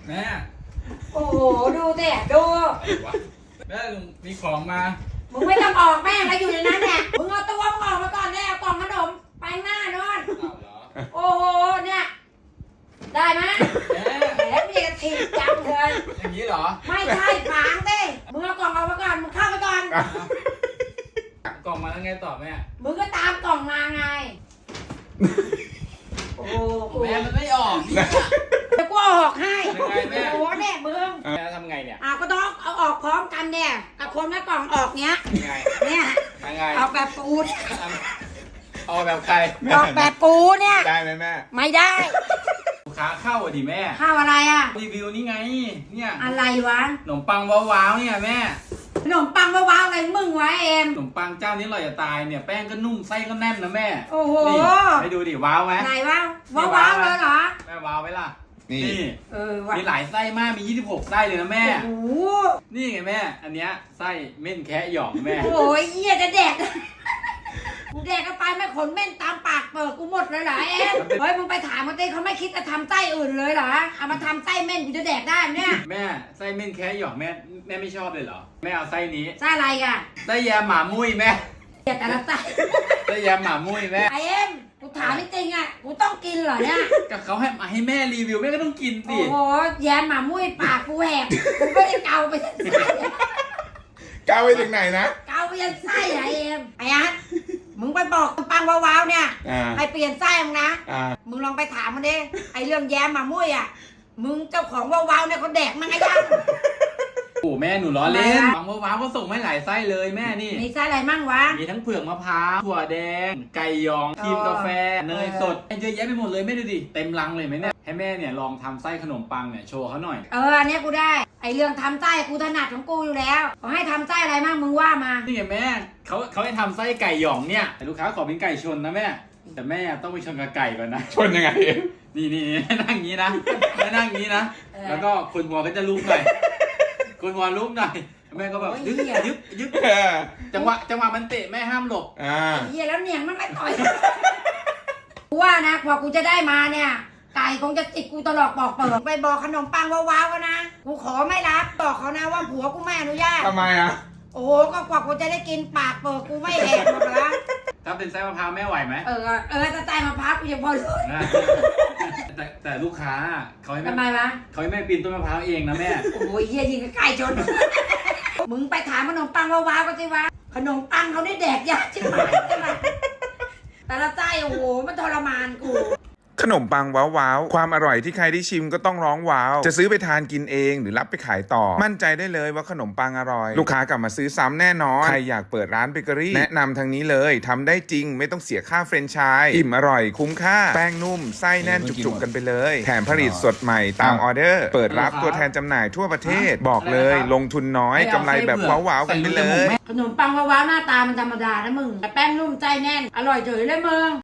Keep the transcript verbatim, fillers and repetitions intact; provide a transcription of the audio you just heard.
แม่โอ้โหดูสิดูแม่ลุงมีของมามึงไม่ต้องออกแม่งแล้วอยู่ในนั้นเนี่ยมึงเอาตัวมึงออกมาก่อนเนี่ยเอากล่องขนมไปหน้าโน่นอ้าวเหรอโอ้โหเนี่ยได้ไหมแม่แหมมีกระถิ่นจังเลยอย่างนี้เหรอไม่ใช่ฝางดิมึงเอากล่องออกมาก่อนมึงเข้าไปก่อนกล่องมาแล้วไงต่อแม่มึงก็ตามกล่องมาไงโอ้โหแม่มันไม่ออกนี่เดี๋ยวกูเอาออกให้ยังไงแม่โอ้โหเนี่ยมึงแม่ทำไงเนี่ยอ่ะก็ต้องเอาออกพร้อมกันเนี่ยกับคนละกล่องออกเนี้ยยังไงเนี่ยยังไงออกแบบปูนเอาแบบใครออกแบบปูเนี่ยได้ไหมแม่ไม่ได้ลูกค้าเข้าอ่ะดิแม่ข้าวอะไรอ่ะรีวิวนี่ไงเนี่ยอะไรวะขนมปังว้าวๆเนี่ยแม่ขนมปังว้าวๆอะไรมึงวะเอ็มขนมปังเจ้านี้อร่อยจะตายเนี่ยแป้งก็นุ่มไส้ก็แน่นนะแม่โอ้โหนี่ไปดูดิว้าวไหมไหนวะว้าวๆเลยเหรอแม่ว้าวไหมล่ะนี่นี่เออวะมีหลายไส้มากมียี่สิบหกไส้เลยนะแม่โอ้โหนี่ไงแม่ อันเนี้ยไส้เม่นแคะหยองแม่โอ้ยเหี้ยจะแดกกูแดกกันไปไม่ขนเม่นตามปากเปิดกูหมดเลยเหรอเอ็มเฮ้ยมึงไปถามมันดิเขาไม่คิดจะทำไส้อื่นเลยเหรอเอามาทำไส้เม่นกูจะแดกได้ไหมเนี่ยแม่ไส้เม่นแคะหยองแม่แม่ไม่ชอบเลยเหรอแม่เอาไส้นี้ไส้อะไรกันไส้แยมหมามุ้ยแม่เหี้ยแต่ละไส้ไส้แยมหมามุ้ยแม่ไอเอ็มกูถามจริงๆอ่ะกูต้องกินเหรอเนี่ยก็เขาให้มาให้แม่รีวิวแม่ก็ต้องกินสิโอ้โหแยมหมามุ้ยปากกูแหกกูไม่ได้เกาไปยันไส้ก้าวไปถึงไหนนะเกาไปยันไส้ไอเอ็มไอ้ฮัทมึงไปบอกปังว้าวๆเนี่ยอ่าให้เปลี่ยนไส้มึงนะอ่ามึงลองไปถามมันดิไอเรื่องแยมหมามุ้ยอ่ะมึงเจ้าของว้าวๆเนี่ยเขาแดกมั้งไอ้ยังโอ้แม่หนูล้อเล่นทำไมล่ะบางว้าวก็ส่งให้หลายไส้เลยแม่นี่มีไส้อะไรมั่งวะมีทั้งเผือกมะพร้าวถั่วแดง ไก่หยองครีมกาแฟเนยสดเยอะแยะไปหมดเลยแม่ดูดิเต็มรังเลยไหมเนี่ยให้แม่เนี่ยลองทำไส้ขนมปังเนี่ยโชว์เขาหน่อยเอออันเนี้ยกูได้ไอเรื่องทำไส้กูถนัดของกูอยู่แล้วขอให้ทำไส้อะไรมั่งมึงว่ามานี่ไงแม่เขาเขาให้ทำไส้ไก่หยองเนี่ยแต่ลูกค้าขอเป็นไก่ชนนะแม่แต่แม่ต้องไปชนกับไก่ก่อนนะชนยังไงนี่นี่นี่นั่งอย่างนี้นะแม่นั่งอย่างนี้นะ แล้วก็คนหัวก็จะลุกหน่อยคนหัวลุกหน่อยแม่ก็แบบยึกยึกยึกเออจังหวะจังหวะมันเตะแม่ห้ามหลบอ่าเฮียแล้วเนี่ยมันไม่ต่อยกูว่านะกว่ากูจะได้มาเนี่ยไก่คงจะจิกกูตลอดปอกเปิดไปบอกขนมปังว้าวๆนะกูขอไม่รับบอกเขานะว่าผัวกูไม่อนุญาตทำไมอ่ะโอ้โหก็กว่ากูจะได้กินปากเปิดกูไม่แหกหมดแล้วถ้าเป็นไส้มะพร้าวแม่ไหวไหมเออเออจะใจมาพักกูยังพอรู้นะแต่แต่ลูกค้าเขาให้ทำไมแม่วะเขาให้แม่ปีนต้นมะพร้าวเองนะแม่โอ้ยเฮียยิงกับไก่ชน มึงไปถามขนมปังว้าวๆกันสิวะขนมปังเขาได้แดกยากใช่ไหมใช่ไหมแต่ละไส้โอ้โหมันทรมานกูขนมปังว้าวว้าวความอร่อยที่ใครได้ชิมก็ต้องร้องว้าว จะซื้อไปทานกินเองหรือรับไปขายต่อ มั่นใจได้เลยว่าขนมปังอร่อย ลูกค้ากลับมาซื้อซ้ำแน่นอน ใครอยากเปิดร้านเบเกอรี่แนะนำทางนี้เลยทำได้จริงไม่ต้องเสียค่าเฟรนไชส์อิ่มอร่อยคุ้มค่า แป้งนุ่มไส้แน่นจุกๆกันไปเลย แถมผลิตสดใหม่ตามออเดอร์ เปิดรับตัวแทนจำหน่ายทั่วประเทศ บอกเลยลงทุนน้อยกำไรแบบว้าวๆกันไปเลยขนมปังว้าวๆหน้าตามันธรรมดานะมึงแต่แป้งนุ่มใจแน่น อร่อยเฉยเลยมึง